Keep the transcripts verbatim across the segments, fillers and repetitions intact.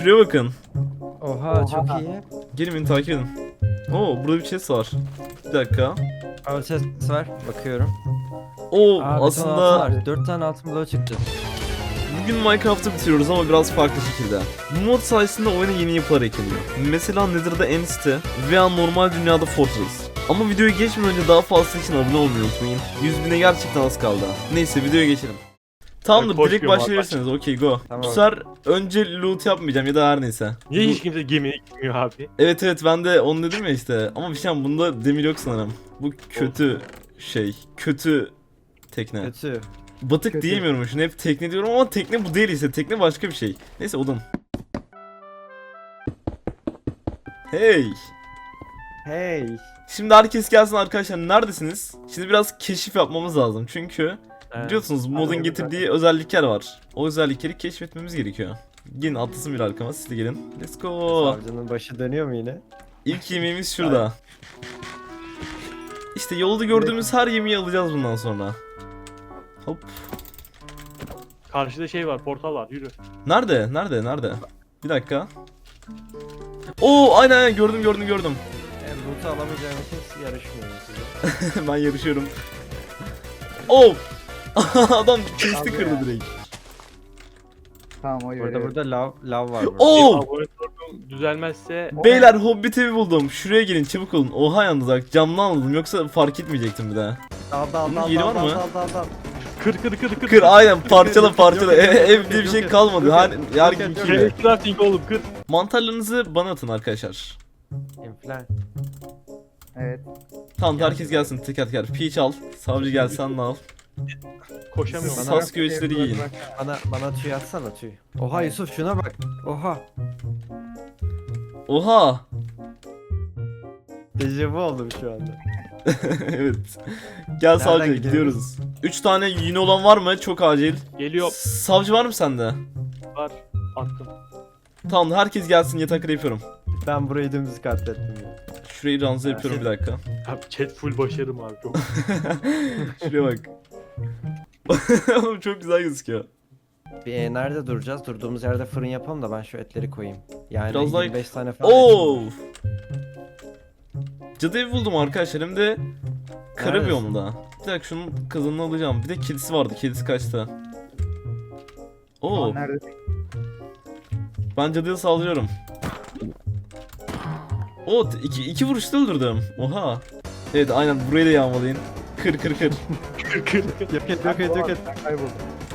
Şuraya bakın. Oha, Oha. çok iyi. Gelin beni takip edin. Oo burada bir chest var. Bir dakika. Al ses var. Bakıyorum. Oo Aa, bir tane altın aslında var. dört tane altın bloğu çıktı. bugün Minecraft'ı bitiriyoruz ama biraz farklı şekilde. Bu mod sayesinde oyuna yeni yapılar ekleniyor. Mesela Nether'da End City veya normal dünyada Fortress. Ama videoya geçmeden önce daha fazlası için abone olmayı unutmayın. yüz bine gerçekten az kaldı. Neyse videoya geçelim. Tamamdır, Ben direkt koşmuyorum başlayabilirsiniz. Okey, go. Tamam. Bu sefer önce loot yapmayacağım ya da her neyse. Niye Bu- hiç kimse gemiye gitmiyor abi? Evet evet, ben de onu dedim ya işte. Ama bir şey, bunda demir yok sanırım. Bu kötü şey. Kötü tekne. Kötü. Batık Kötü. diyemiyorum şunu, hep tekne diyorum ama tekne bu değil işte. Tekne başka bir şey. Neyse, odun. Hey. Hey. Şimdi herkes gelsin arkadaşlar, neredesiniz? Şimdi biraz keşif yapmamız lazım çünkü He. biliyorsunuz modun Hadi getirdiği özellikler var. O özellikleri keşfetmemiz gerekiyor. Gelin atlasın bir arkama, siz de gelin. Let's go. Savcının başı dönüyor mu yine? İlk yemeğimiz şurada. İşte yolda gördüğümüz her yemeği alacağız bundan sonra. Hop. Karşıda şey var, portal var, yürü. Nerede? Nerede? Nerede? Bir dakika. Oo aynen aynen, gördüm gördüm gördüm. Yani loot'u alamayacağım için yarışmıyorum size. Ben yarışıyorum. Oo. Adam chest'i Abi kırdı ya. direkt. Tamam o Burada yürü. burada lav lav var burada. Oo. Benim abone sorunum düzelmezse Beyler, Hobbit evi buldum. Şuraya gelin çabuk olun. Oha, yalnız bak camdan aldım, yoksa fark etmeyecektim bir daha. Dal dal Bunun dal yeri dal var dal mı? dal dal dal. kır kır kır kır. Kır aynen, parçala parçala. Yok, yok, Ev, yok, ev diye bir yok, şey yok, kalmadı. yok, Her, yok, her yok, gün yok, gibi. Şey, crafting oğlum, kır. Mantarlarınızı bana atın arkadaşlar. İnflan. Evet. Tamam, herkes gelsin teker teker. Peach al. Savcı gel, sen de al. Koşamıyorum. Sas- Bana... Sas göğüsleri yiyin. Bana bana tüy atsana tüy. Oha Yusuf şuna bak. Oha. Oha. Dejavu oldum şu anda. Evet. Gel savcı, gidiyoruz? gidiyoruz. üç tane yine olan var mı? Çok acil. Geliyor, Savcı var mı sende? var. Attım. Tamam, herkes gelsin, yatakları yapıyorum. Ben burayı dümdüz katlettim ya. Şurayı ranza yapıyorum bir dakika. Abi chat full başarım abi, çok. Şuraya bak. Oğlum çok güzel gözüküyor. Bir e, nerede duracağız? Durduğumuz yerde fırın yapalım da ben şu etleri koyayım. Yani Biraz daha- yirmi beş tane falan. Oo. Cadı evi buldum arkadaşlar, hem de kara Neredesin? biyomda. Bir dakika, şunun kazanını alacağım. Bir de kedisi vardı. Kedisi kaçtı. Oo. Aa, nerede? Ben cadıya saldırıyorum. Oo, t- iki, iki vuruşta öldürdüm. Oha. Evet aynen, burayı da yağmalayın. Kır kır kır. Kır kır kır. Yok et yok et yok et. Ben kayboldum.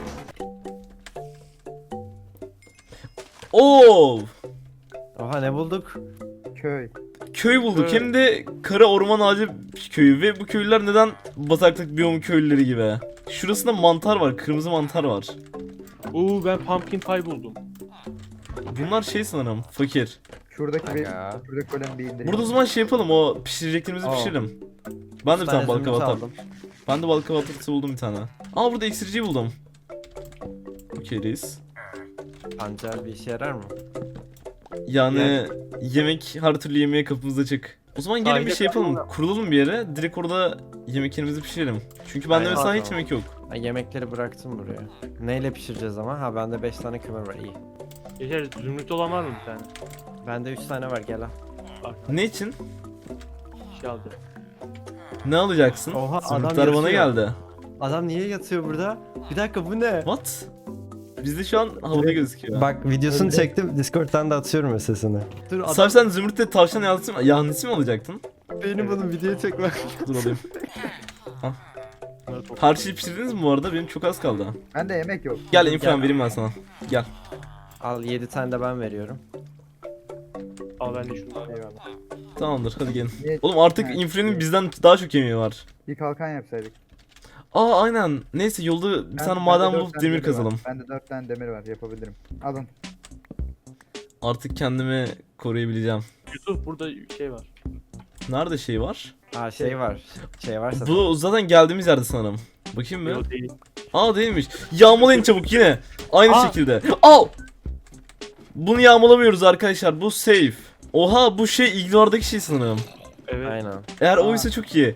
Oo. Oha ne bulduk? Köy. Köy bulduk, Evet. hem de kara orman ağacı köyü ve bu köylüler neden bataklık biyomu köylüleri gibi? Şurasında mantar var, kırmızı mantar var. Oo, ben pumpkin pie buldum. Bunlar şey sanırım, fakir. Şuradaki bir Aga. şuradaki golemi bir indireyim. Burada o zaman şey yapalım, o pişireceklerimizi Aa. pişirelim. Ben de bir Üç tane balık zümrüt avatar. aldım. Ben de balık avatarısı buldum bir tane. Aa, burada iksirciyi buldum. Okey reis. Pancar bir işe yarar mı? Yani yemek, her türlü yemeğe kapımız açık. O zaman gelin bir Sahile şey yapalım. kalalım. Kurulalım bir yere. Direkt orada yemeklerimizi pişirelim. Çünkü bende Aynen. mesela hiç Tamam. yemek yok. Ben yemekleri bıraktım buraya. Neyle pişireceğiz ama? Ha bende beş tane kömür var iyi. Geçer, zümrüt olan var mı bir tane? Bende üç tane var gel al. Bak, Ne için? şey aldı. Ne alacaksın? Oha, adam Zümrütler bana yatıyor. geldi. Adam niye yatıyor burada? Bir dakika bu ne? What? Bizde şu an havada gözüküyor. Bak videosunu çektim Discord'dan da atıyorum sesini. Dur adam Sarp, sen zümrütle tavşan yahnisi mi, yahnisi mi alacaktın? benim bunu videoya çekmek. Dur alayım. Bunları topla. Her şeyi pişirdiniz mi bu arada? Benim çok az kaldı. Bende yemek yok. Gel inflam Gel. vereyim ben sana. Gel. Al yedi tane de ben veriyorum. Al ben de şunu. Eyvallah. Tamamdır, hadi gelin. Niye- Oğlum artık Evet. infrenin bizden daha çok yemeği var. Bir kalkan yapsaydık. Aa aynen. Neyse, yolda bir Ben- tane bende maden dört bulup tane demir var. kazalım. Bende dört tane demir var, yapabilirim. Alın. Artık kendimi koruyabileceğim. Yusuf, burada şey var. Nerede şey var? Aa şey var. Şey varsa. Bu zaten geldiğimiz yerde sanırım. Bakayım mı? Yok değil. Aa değilmiş. Yağmalayın çabuk yine. Aynı Aa! şekilde. Al. Bunu yağmalamıyoruz arkadaşlar. Bu safe. Oha, bu şey ignor'daki şey sanırım. Evet. Aynen. Eğer Aa. oysa çok iyi.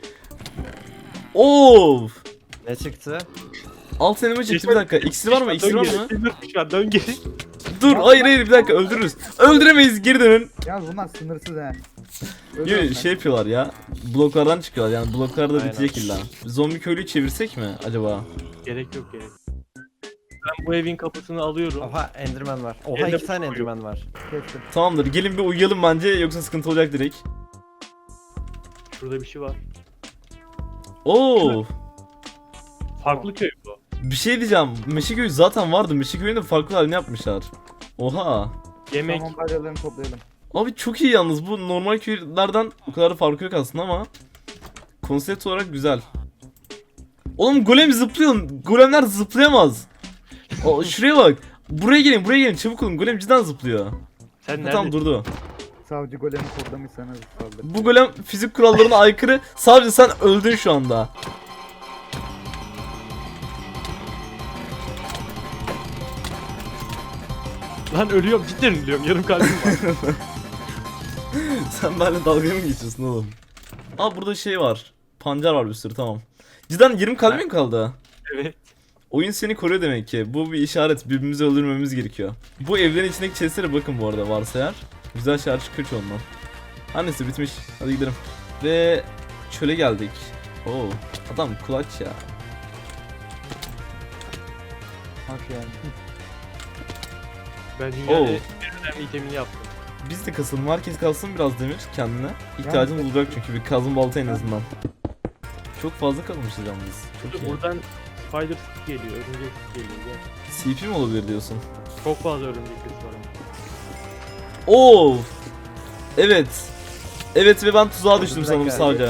Of. Ne çıktı? Alt elime çıktı, bir dakika. İksir var mı? İksir Dön var geri. mı? Dön geri. Dön geri. Dur hayır hayır bir dakika öldürürüz. Öldüremeyiz geri dönün. Yalnız bunlar sınırsız he. Gibi Ölüyorum şey yapıyorlar ya. Bloklardan çıkıyorlar yani bloklarda Aynen. bitecek illa. Zombi köylüyü çevirsek mi acaba? Gerek yok gerek. Ben bu evin kapısını alıyorum. Oha Enderman var. Oha Ender iki tane koyuyor. Enderman var. ben. Kestim. Tamamdır gelin bir uyuyalım bence yoksa sıkıntı olacak direkt. Şurada bir şey var. Oo. Farklı köy bu. Bir şey diyeceğim. Meşeköy'ü zaten vardı. Meşeköy'ün de farklı halini yapmışlar. Oha. Yemek. Tamam balyalarını toplayalım. Abi çok iyi yalnız. Bu normal köylerden o kadar da farkı yok aslında ama konsept olarak güzel. Oğlum golem zıplıyor. Golemler zıplayamaz. O, şuraya bak. Buraya gelin, buraya gelin. Çabuk olun. Golem cidden zıplıyor. Sen Ha, nerede? tamam durdu. Savcı golemi kodlamışsanız saldır. Bu golem fizik kurallarına aykırı. Sadece sen öldün şu anda. Lan ölüyorum cidden ölüyorum. Yarım kalbim var. Sen benimle dalga mı geçiyorsun oğlum? Aa burada şey var. Pancar var bir sürü tamam. Cidden yirmi kalbin kaldı. Evet. Oyun seni koruyor demek ki. Bu bir işaret. Birbirimizi öldürmememiz gerekiyor. Bu evlerin içindeki chestlere bakın bu arada varsa eğer. Güzel şeyler çıkıyor çoğundan. Her neyse bitmiş. Hadi gidelim. Ve çöle geldik. Oo, adam kulaç ya. Hoş geldin. Ben dünyanın Oo. en önemli itemini yaptım. Biz de kasalım. Herkes kalsın biraz demir kendine. İhtiyacımız olacak çünkü bir kazım balta en azından. Çok fazla kalmışız yalnız. Çok iyi. Buradan spider stick geliyor, örümcek stick geliyor. Gel. C P mi olabilir diyorsun? Çok fazla örümcek stick var. Oo. Evet. Evet ve ben tuzağa düştüm Bir sanırım dakika. sadece.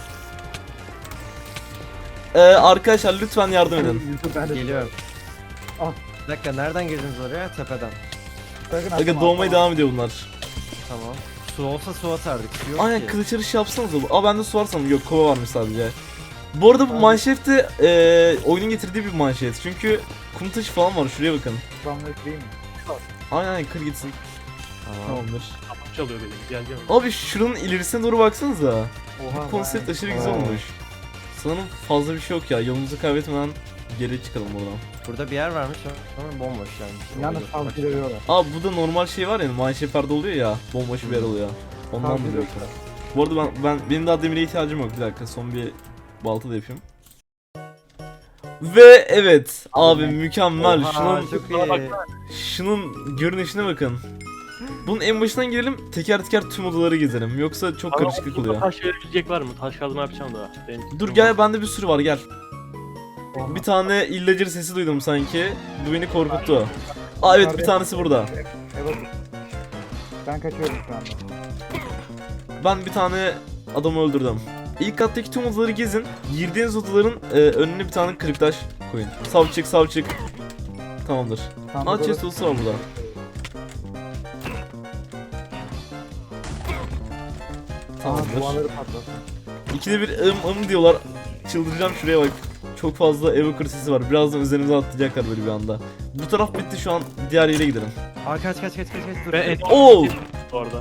Ee, arkadaşlar lütfen yardım edin. Yusuf ben de Geliyorum. Ah. Bir dakika nereden girdiniz oraya? Tepeden. Sakın Aga atma, doğmaya atma. devam ediyor bunlar. Tamam. Su olsa su atardık. Su yok Aynen ki. kılıç yarışı yapsanıza. Aa bende su var sanırım. Yok kova varmış sadece. Bu arada bu Abi. manşet de eee oyunun getirdiği bir manşet. Çünkü kum taşı falan var. Şuraya bakın. Spamları kırayım mı? Aynen aynen kır gitsin. Tamam. Tamamdır. Kapı çalıyor benim. Gel gel. Abi şuranın ilerisine doğru baksanıza. Oha. Bu konsept vay. aşırı güzel Aa. olmuş. Sanırım fazla bir şey yok ya. Yolumuzu kaybetmeden geri çıkalım buradan. Burada bir yer varmış ama bomboş yani. Yalnız Bak- savcı dövüyorlar. Aa bu da normal şey var ya. Mineshaft'larda oluyor ya. Bomboş bir yer oluyor. Ondan Savcı mı diyorsun? dövüyorlar. Bu arada ben, ben benim daha demire ihtiyacım yok. Bir dakika son bir balta da yapayım. Ve evet abi mükemmel. Oha, Şunun çok Bak, iyi. şunun görünüşüne bakın. Bunun en başından girelim teker teker tüm odaları gezelim. Yoksa çok Ama karışıklık burada oluyor. taş verebilecek var mı? Taş kazma yapacağım da. Benim Dur gel bende bir sürü var gel. Oha. Bir tane illacır sesi duydum sanki. Bu beni korkuttu. Aa evet bir tanesi burada. Evet. Ben kaçıyorum şu anda. Ben bir tane adamı öldürdüm. İlk kattaki tüm odaları gezin. Girdiğiniz odaların e, önüne bir tane kırık taş koyun. Sav çık sav çık. Tamamdır. Sandık Aa orası- chest odası var burada. Aa, Tamamdır. duvarları patlasın. İkide bir ım ım diyorlar. Çıldıracağım şuraya bak. Çok fazla evoker sesi var. Birazdan üzerimize atlayacaklar böyle bir anda. Bu taraf bitti şu an diğer yere gidelim. Aa kaç kaç kaç kaç kaç dur. Ben en Oo! bu arada.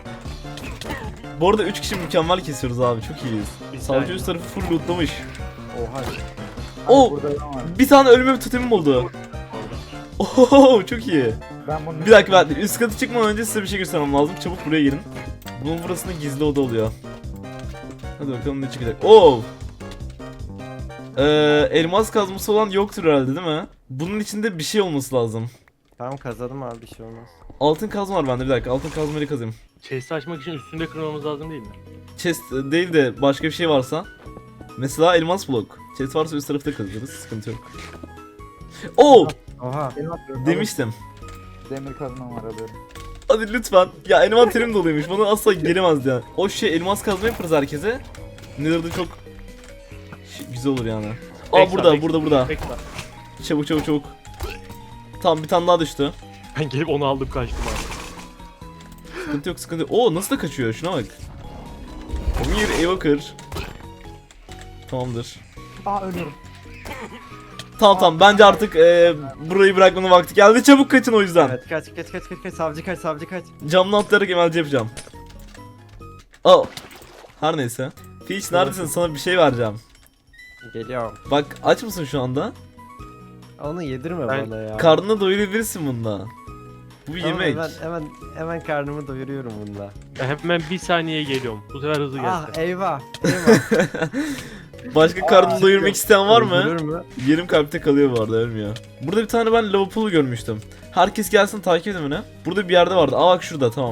Bu arada üç kişi mükemmel kesiyoruz abi. Çok iyiyiz. Bir Savcı saniye. üst tarafı full lootlamış. Oha. Oo! Ay, burada adam var. Bir tane ölüme bir totemim oldu. Oho çok iyi. Ben bunu Bir dakika ben üst katı çıkmadan önce size bir şey göstermem lazım. Çabuk buraya girin. Bunun burasında gizli oda oluyor. Hadi bakalım ne çıkacak. Oo! Ee, elmas kazması olan yoktur herhalde değil mi? Bunun içinde bir şey olması lazım. Tamam kazandım abi bir şey olmaz. Altın kazma var bende bir dakika. Altın kazmayı kazayım. Chest'i açmak için üstünde kırmamız lazım değil mi? Chest e, değil de başka bir şey varsa. Mesela elmas blok. Chest varsa üst tarafta kazırız. Sıkıntı yok. Oo! Oha. Benim atıyorum. Demiştim. Demir kazmam var alıyorum. Hadi lütfen. Ya envanterim doluymuş. Bana asla gelemez ya. O şey elmas kazma yaparız herkese. Nether'da çok şey, güzel olur yani. Aa Ekstra, burada, ekstra. burada, burada. Bekle. Çabuk, çabuk, çabuk. Tamam bir tane daha düştü. Ben gelip onu aldım kaçtım abi. Sıkıntı yok, sıkıntı yok. Oo nasıl da kaçıyor? Şuna bak. Omir Evoker. Tamamdır. Aa ölüyorum. Tamam tamam bence artık e, burayı bırakmanın vakti geldi. Çabuk kaçın o yüzden. Evet kaç kaç kaç kaç kaç savcı kaç savcı kaç. Camdan atlayarak emelci yapacağım. Aa. Her neyse. Peach neredesin? Sana bir şey vereceğim. Geliyorum. Bak aç mısın şu anda? Onu yedirme Ben- bana ya. Karnına doyurabilirsin bununla. Bu bir Tamam, yemek. hemen, hemen, hemen karnımı doyuruyorum bununla. Ben hemen bir saniyeye geliyorum. Bu sefer hızlı geldi. Ah eyvah. Eyvah. Başka karnını doyurmak isteyen var mı? Öldürür mü? Yarım kalpte kalıyor bu arada, ölmüyor. Burada bir tane ben lava pool'u görmüştüm. Herkes gelsin takip edin beni. Burada bir yerde vardı. Aa bak şurada, tamam.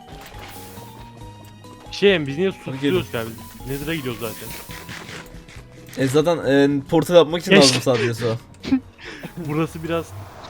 Şey biz niye gelin. susuyoruz yani? Nether'a gidiyoruz zaten. E zaten e, portal yapmak için Geç. lazım sadece su. Burası biraz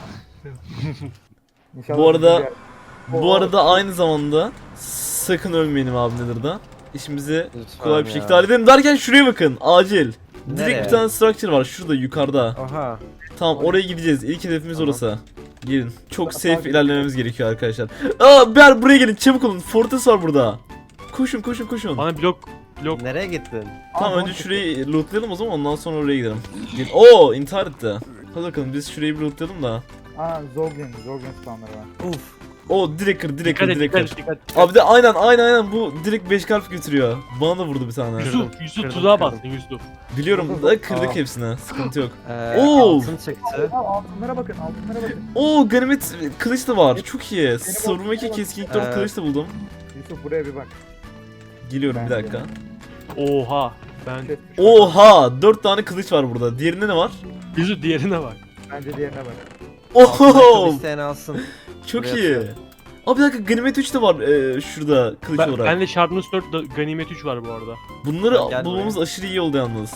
İnşallah Bu arada- bizim bir yer- Bu arada aynı zamanda sakın ölmeyelim abi Nether'da. İşimizi Lütfen kolay bir ya. şekilde halledelim derken şuraya bakın, acil. Direkt Nereye? bir tane structure var şurada yukarıda. Oha. Tamam, oraya gideceğiz. İlk hedefimiz Tamam. orası. Gelin. Çok Tamam, safe takip ilerlememiz gerekiyor arkadaşlar. Aa ber buraya gelin, çabuk olun. Fortress var burada. Koşun koşun koşun. bana blok blok Nereye gittin? Tamam, Aa, önce tamam. şurayı lootlayalım o zaman, ondan sonra oraya gidelim. Gelin. Oo, intihar etti. Hadi bakalım biz şurayı bir lootlayalım da. Aa Zolgin, Zolgin spawnları var. Uf. Oo, direkt kır, direkt dikkat kır, et direkt dikkat kır. et dikkat et. Abi de aynen aynen aynen bu direkt beş kalp götürüyor. Bana da vurdu bir tane. Kırdım, Yusuf Yusuf kırdım, tuzağa kırdım. bastın Yusuf. Biliyorum da kırdık Aa. hepsini. Sıkıntı yok. Ee, Oo. altın çıktı. Aa, altınlara bakın, altınlara bakın. Oo, ganimet kılıç da var. Çok iyi. Savurma iki keskinlik dört Ee, kılıç da buldum. Yusuf buraya bir bak. Geliyorum bir dakika. Oha. Ben Şey- Oha, dört tane kılıç var burada. Diğerinde ne var? Yusuf diğerine bak. Bence diğerine bak. Altın ayakkabı Oho, isteyen alsın. çok Buraya iyi. atıyorum. Abi bir dakika, ganimet üç de var ee, şurada kılıç Ben, olarak. ben de Sharpness dört da Ganimet üç var bu arada. Bunları Gel bulmamız aşırı iyi oldu yalnız.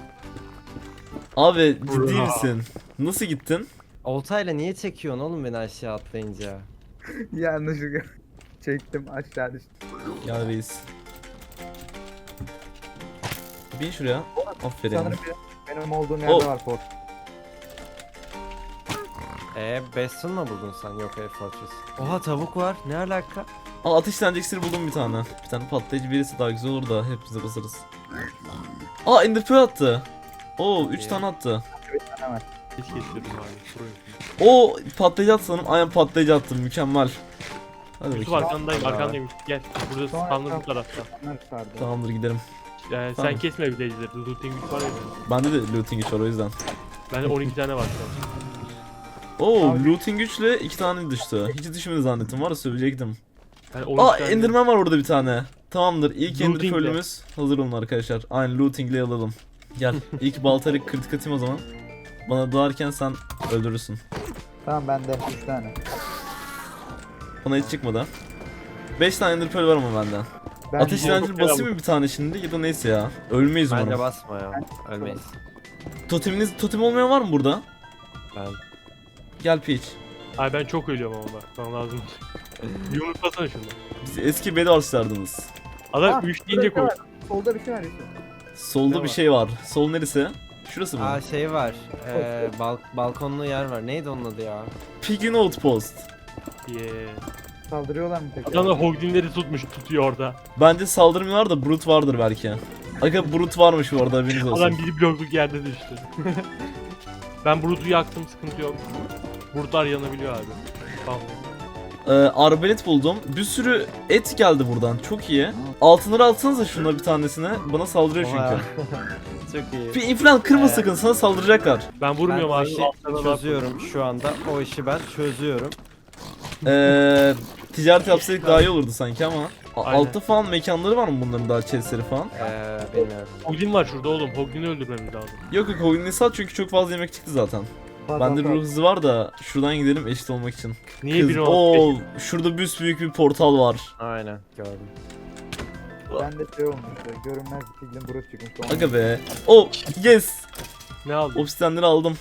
Abi ciddi Bra. misin? Nasıl gittin? Oltayla niye çekiyorsun oğlum beni aşağı atlayınca? Yanlışlıkla çektim, aşağı düştüm. Gel reis. Bin şuraya. Aferin. Sanırım benim, benim olduğum yerde Oh. var port. Eee Bastion mu buldun sen? Yok Air Fortress. Oha tavuk var. Ne alaka? Aa, ateşlenecek iksiri buldum bir tane. Bir tane patlayıcı birisi daha güzel olur da hepimize basarız. Aa, Ender Pearl attı. Oo, üç İyi. tane attı. Bir tane var. Hiç kesiyorum abi. Sorun yok. Oo, patlayıcı attı sanırım. Aynen patlayıcı attım. Mükemmel. Hadi Yusuf bakayım. arkandayım Tamam. arkandayım. Gel. Burada Sonra- spawner bu tarafta. Onlar sardı. Tamamdır, gidelim. Ee, Tamam. sen kesme village'leri. Looting güç var ya benim. Bende de looting güç var o yüzden. Bende on iki tane var şu an. Oo, Abi- looting güçle iki tane düştü. Hiç düşmedi zannettim, var ya söyleyecektim. Yani on iki Aa, tane- Enderman var orada bir tane. Tamamdır, ilk Ender Lootingle. Pearl'ümüz hazır olun arkadaşlar. Aynen, lootingle alalım. Gel, ilk baltayla kritik atayım o zaman. Bana doğarken sen öldürürsün. Tamam bende üç tane. Bana hiç çıkmadı. beş tane Ender Pearl var ama benden. Ben Ateş bu- direncini basayım mı bir tane şimdi ya da neyse ya. Ölmeyiz Bence umarım. basma ya. Ölmeyiz. Toteminiz, totem olmayan var mı burada? Ben. Gel Peach. Ay ben çok ölüyorum ama bak. Bana lazım. Bir unutmasana şunu. Biz eski Bedwars'lardınız. Adam Ah, üç deyince burada koy. bir şey var. Solda bir şey var Yusuf. Solda Ne bir var? şey var. Sol neresi? Şurası mı? Aa şey var. Ee, bal balkonlu yer var. Neydi onun adı ya? Pig'in Outpost. Yeah. Saldırıyorlar mı peki? Adam da Hoglin'leri tutmuş tutuyor orada. Bence saldırmıyorlar da Brute vardır belki. Aga, Brute varmış bu arada, haberiniz olsun. Adam bir blokluk yerde düştü. Ben Brute'u yaktım sıkıntı yok. Brute'lar yanabiliyor abi. Tamam. Ee, arbalet buldum. Bir sürü et geldi buradan. Çok iyi. Altınları alsanıza şuna bir tanesine. Bana saldırıyor Oha. çünkü. Çok iyi. Bir inflan kırma Ee, sakın, sana saldıracaklar. Ben Ben vurmuyorum o abi. işi altlarına laf- çözüyorum şu anda. O işi ben çözüyorum. Ee, ticaret yapsaydık daha iyi olurdu sanki ama. A- Aynen. Altta falan mekanları var mı bunların, daha chestleri falan? Ee, bilmiyorum. Hoglin var şurada oğlum. Hoglin'i öldürmemiz lazım. Yok yok, Hogan'ı sat çünkü çok fazla yemek çıktı zaten. Bak, Bende bak, ruh bak. hızı var da şuradan gidelim eşit olmak için. Niye Kız, bir oo, şurada büyük bir portal var. Aynen gördüm. Bende şey olmuştu. Görünmez bir piglin burası çıkmıştı. Onu- Aga be. Oh yes. Ne aldın? Obsidianleri aldım.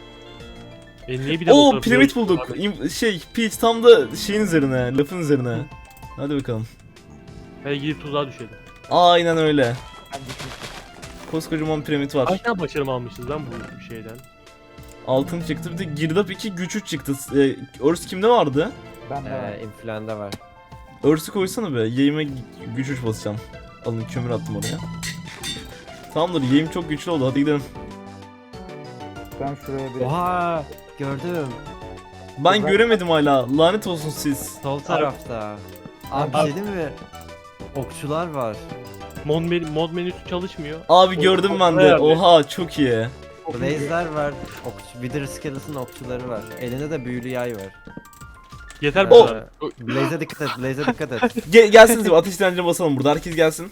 E niye bir de bu Oo, tarafı piramit yok? bulduk. İm- şey, Peach tam da şeyin üzerine, lafın üzerine. Hadi bakalım. Hadi gidip tuzağa düşelim. Aynen öyle. Ben düşmüştüm. Koskocaman piramit var. Kaç tane başarım almışız lan bu şeyden? Altın çıktı, bir de girdap iki, güç üç çıktı. Ee, Örs kimde vardı? Bende var. Ee, influenza var. Örs'ü koysana be. Yayıma güç üç basacağım. Alın, kömür attım oraya. Tamamdır, yayım çok güçlü oldu. Hadi gidelim. Ben şuraya bir... Oha gördüm. Ben Ben- göremedim hala. Lanet olsun siz. Sol tarafta. Abi bir Abi- şey değil mi? Okçular var. Mod, menü, mod menüsü çalışmıyor. Abi gördüm ben de. Bayağı bir- Oha, çok iyi. Blaze'ler var. Okçu, Wither Skeleton okçuları var. Elinde de büyülü yay var. Yeter bu Ee, kadar. Blaze'e dikkat et, Blaze'e dikkat et. Ge gelsiniz bir ateş direncine basalım burada. Herkes gelsin.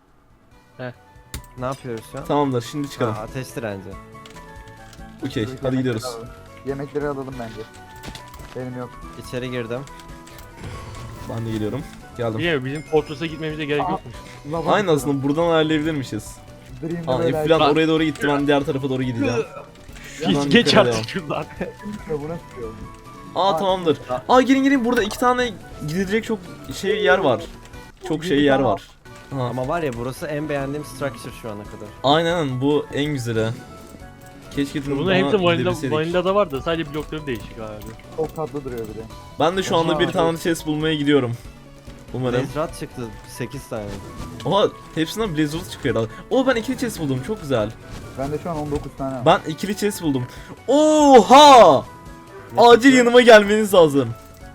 Ne yapıyoruz şu an? Tamamdır şimdi çıkalım. Ha, ateş direnci. Okey Yemekleri hadi gidiyoruz. alalım. Yemekleri alalım bence. Benim yok. İçeri girdim. Ben de geliyorum. Geldim. Bilmiyorum bizim Fortress'a gitmemize gerek Aa. yokmuş. Lava Aynı tutalım. aslında buradan ayarlayabilirmişiz. Dream'de Aa böyle Eflan Ben- oraya doğru gitti, ben diğer tarafa doğru gideceğim. Şuradan Geç, geç yukarı artık şuradan. açıyor, bu nasıl şey oldu? Aa tamamdır. Aa gelin gelin, burada iki tane gidilecek çok şey yer var. Çok şey yer var. Ha. Ama var ya burası en beğendiğim structure şu ana kadar. Aynen bu en güzeli. Keşke bunu Bunun hepsi vanilla, gidebilseydik. vanilla'da var da sadece blokları değişik abi. Çok tatlı duruyor bir de. Ben de şu anda Oha, bir tane chest bulmaya gidiyorum. Umarım. Blaze Rod çıktı sekiz tane. Oha hepsinden Blizzard çıkıyor herhalde. Oo ben ikili chest buldum, çok güzel. Bende şu an on dokuz tane var. Ben ikili chest buldum. Oha! Ne Acil çıktı? yanıma gelmeniz lazım.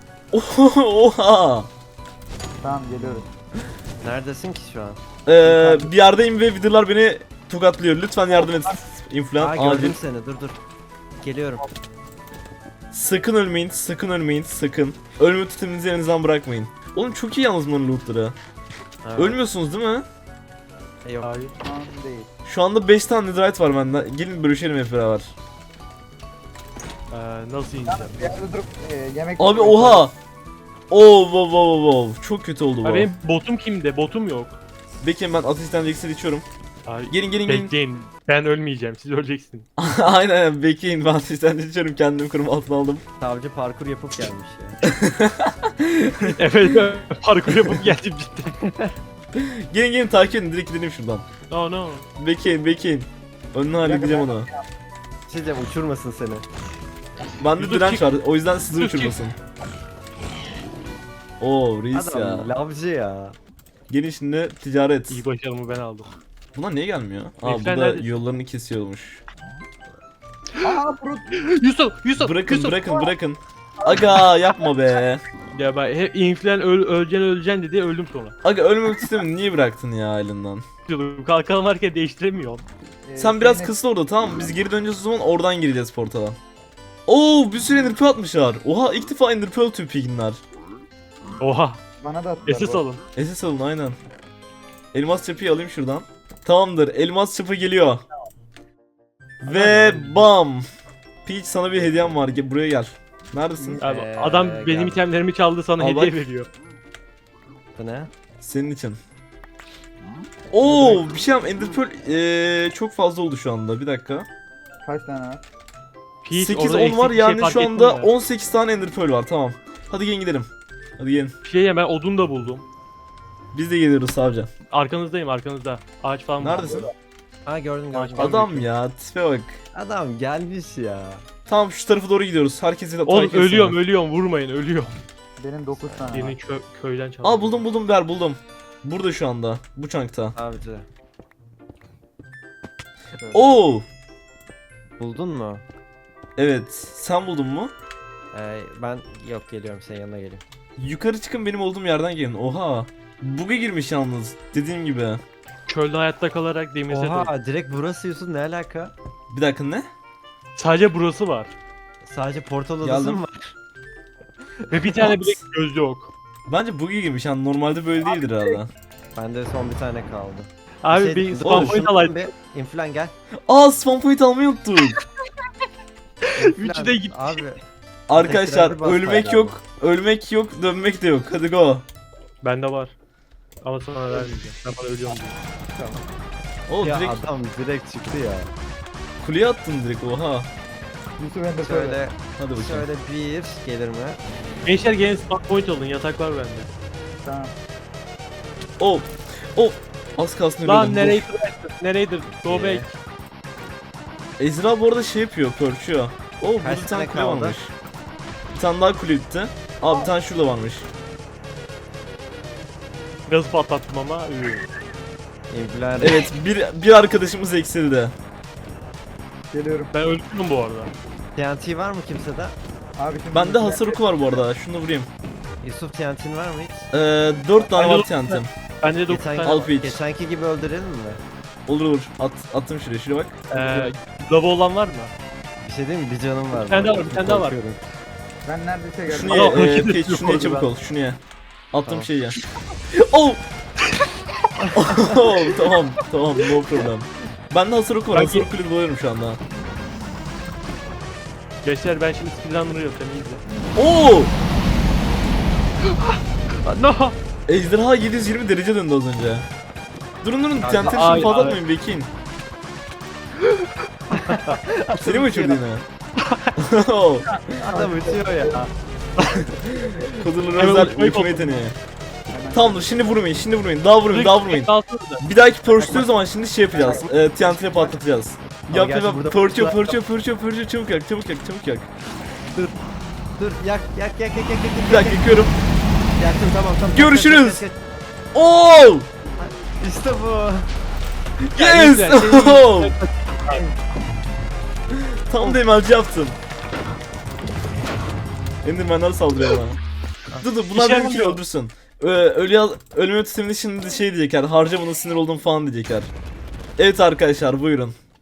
Oha! Tamam geliyoruz. Neredesin ki şu an? Ee, bir yerdeyim ve videolar beni tokatlıyor. Lütfen yardım et. Aa İnflan gördüm acil. seni, dur dur. Geliyorum. Sakın ölmeyin, sakın ölmeyin, sakın. Ölme tutuminizi elinizden bırakmayın. Oğlum çok iyi yalnız bunların lootları. Evet. Ölmüyorsunuz değil mi? E, Yok. Hayır. Şu an değil. Şu anda beş tane netherite var bende. Gelin bölüşelim hep beraber. Ee, nasıl ineceğim? Bir yerde durup e, yemek... Abi oha! Oo wow wow wow. Çok kötü oldu bu. Abi benim botum kimde? Botum yok. Bekleyin ben ateşten iksir içiyorum. Abi, Gelin gelin gelin. bekleyin. Ben ölmeyeceğim. Siz öleceksiniz. Aynen aynen bekleyin, ben ateşten içiyorum, kendimi koruma altına aldım. Savcı parkur yapıp gelmiş ya. Evet. Parkur yapıp geldim cidden. Gelin gelin takip edin, direkt gidelim şuradan. No no. Bekleyin bekleyin. Önüne halledeceğim onu. Şey diyeceğim, uçurmasın seni. Bende Yusuf direnç çık. var, o yüzden sizi Yusuf çık. uçurmasın. Oo reis ya. Adam lavcı ya. Gelin şimdi ticaret. İyi başarımı ben aldım. Bunlar niye gelmiyor? Aa Herifler bu da neredesin? yollarını kesiyormuş. Aa Brut! Yusuf! Yusuf! Bırakın Yusuf! bırakın bırakın. Aga yapma be. Ya ben hep inflen öl, öleceksin öleceksin dedi öldüm sonra. Aga ölmemek istemedin, niye bıraktın ya elinden? Diyordum, kalkan varken değiştiremiyorum. E, Sen biraz Zeynep- kısın orada, tamam mı? Biz geri döneceğiz o zaman, oradan gireceğiz portala. Oo bir sürü ender pearl atmışlar. Oha ilk defa ender pearl tüy piginler. Oha! Bana da attılar. S S bu. alın. S S alın aynen. Elmas çapıyı alayım şuradan. Tamamdır, elmas çapı geliyor. Ve bam. Peach sana bir hediyem var, gel buraya gel. Neredesin? Abi, Ee, adam benim gel. itemlerimi çaldı sana Al hediye bak. veriyor. Bu ne? Senin için. Oo bir şey yap, ender pearl ee, çok fazla oldu şu anda, bir dakika. Kaç tane var? Peach, sekiz orada on eksik var bir şey yani fark şu ettin anda mi? on sekiz tane ender pearl var, tamam. Hadi gelin gidelim. Hadi gelin. Bir şey ya ben odun da buldum. Biz de geliyoruz savcı. Arkanızdayım arkanızda. Ağaç falan var. Neredesin? Aa gördüm gördüm. Adam- Adam ya, tipe bak. Adam gelmiş ya. Tamam şu tarafa doğru gidiyoruz. Herkese de Oğlum takip etsene. ölüyorum ölüyorum vurmayın ölüyorum. Benim dokuz tane Birini var. kö köyden çaldı. Aa buldum buldum ver buldum. Burada şu anda. Bu çankta. Avcı. Oo! Buldun mu? Evet. Sen buldun mu? Ee, ben yok geliyorum senin yanına geleyim. Yukarı çıkın, benim olduğum yerden gelin. Oha. Bug'a girmiş yalnız. Dediğim gibi. Çölde hayatta kalarak demir set aldım. Oha direkt burası Yusuf, ne alaka? Bir dakika ne? Sadece burası var. Sadece portal odası Geldim. mı var? Ve bir tane What? bile göz yok. Bence Bug'a girmiş yani, normalde böyle değildir herhalde. Bende son bir tane kaldı. Abi şey, bir dur, spawn point şundan alaydı. bir inflan gel. Aa spawn point almayı unuttuk. Üçü İnflan, de gitti. Abi Arkadaşlar Tekrar bir ölmek bastı yok. Ölmek yok, dönmek de yok. Hadi go. Bende var. Ama sana vermeyeceğim. Ben bana ölüyorum diye. Oo ya direkt adam direkt çıktı ya. kuleye attın direkt, oha. Yusuf Ender Pearl. Şöyle Hadi bakayım. şöyle bir gelir mi? Gençler gelin spawn point alın yatak var bende. Tamam. Oh. Oh. Az kalsın ölüyordum. Lan dur. nereydi? Nereydi? Go Ee, back. Ezra bu arada şey yapıyor, pörçüyor. Oo burada Kaç bir tane tane kule kaldı? varmış. Bir tane daha kule bitti. Aa bir tane şurada varmış. Gaz patlattım ama. Üü. İnflan. Evet bir, bir arkadaşımız eksildi. Geliyorum. Ben öldüm bu arada. T N T var mı kimsede? Abi şimdi... Bende hasar oku var bu arada, şunu da vurayım. Yusuf T N T'in var mı hiç? Ee, dört tane Bende var dokuz T N T'm. Bende dokuz Geçen, tane. Al Peach. geçenki gibi öldürelim mi? Olur olur. At, attım şuraya, şuraya bak. Eee lava olan var mı? Bir şey diyeyim mi? Bir canım var. Bir tane bu daha arada, var, bir tane daha var. korkuyorum. Ben neredeyse geldim. Şunu Adam ye, hareket e, Peach, ediyor şunu ye orada çabuk ben. ol, şunu ye. Attığım Tamam. şeyi ye. Oh! Oh, tamam, tamam, no problem. Bende hasar oku var, Ben hasar ge- okuyla dolanıyorum şu anda. Gençler ben şimdi speedrunner'ı yapacağım iyi izle. Oo! No! Ejderha yedi yüz yirmi derece döndü az önce. Durun durun, Kanka, tenteri ay, şimdi fazla ay. atmayın, bekleyin. Seni mi uçurdu yine? Oh, Adam uçuyor ya. Kodurların Hemen özel uçmayı uçma koptu. yeteneği. Tamam dur, şimdi vurmayın, şimdi vurmayın, daha vurmayın, daha vurmayın. Alsana da. Bir dahaki pörçtüğü zaman şimdi şey yapacağız, e, T N T'ye patlatacağız. Ama Yap gerçi yap, burada pörçüyor, pörçüler- pörçüyor, pörçüyor, pörçüyor, çabuk yak, çabuk yak, çabuk yak. Dur yak yak yak yak yak yak. Bir dakika yakıyorum. Yaktım tamam tamam. Görüşürüz. Yak, yak, yak, Oh! yak. İşte bu. Yes! güzel. Oh! Tam da emelci yaptın. Enderman'lar saldırıyor bana. Dur dur, bunlar İşe benimkini yaramıyor. öldürsün. Ee, ölü ölme sisteminde şimdi şey diyecekler, harca buna sinir oldum falan diyecekler. Evet arkadaşlar, buyurun.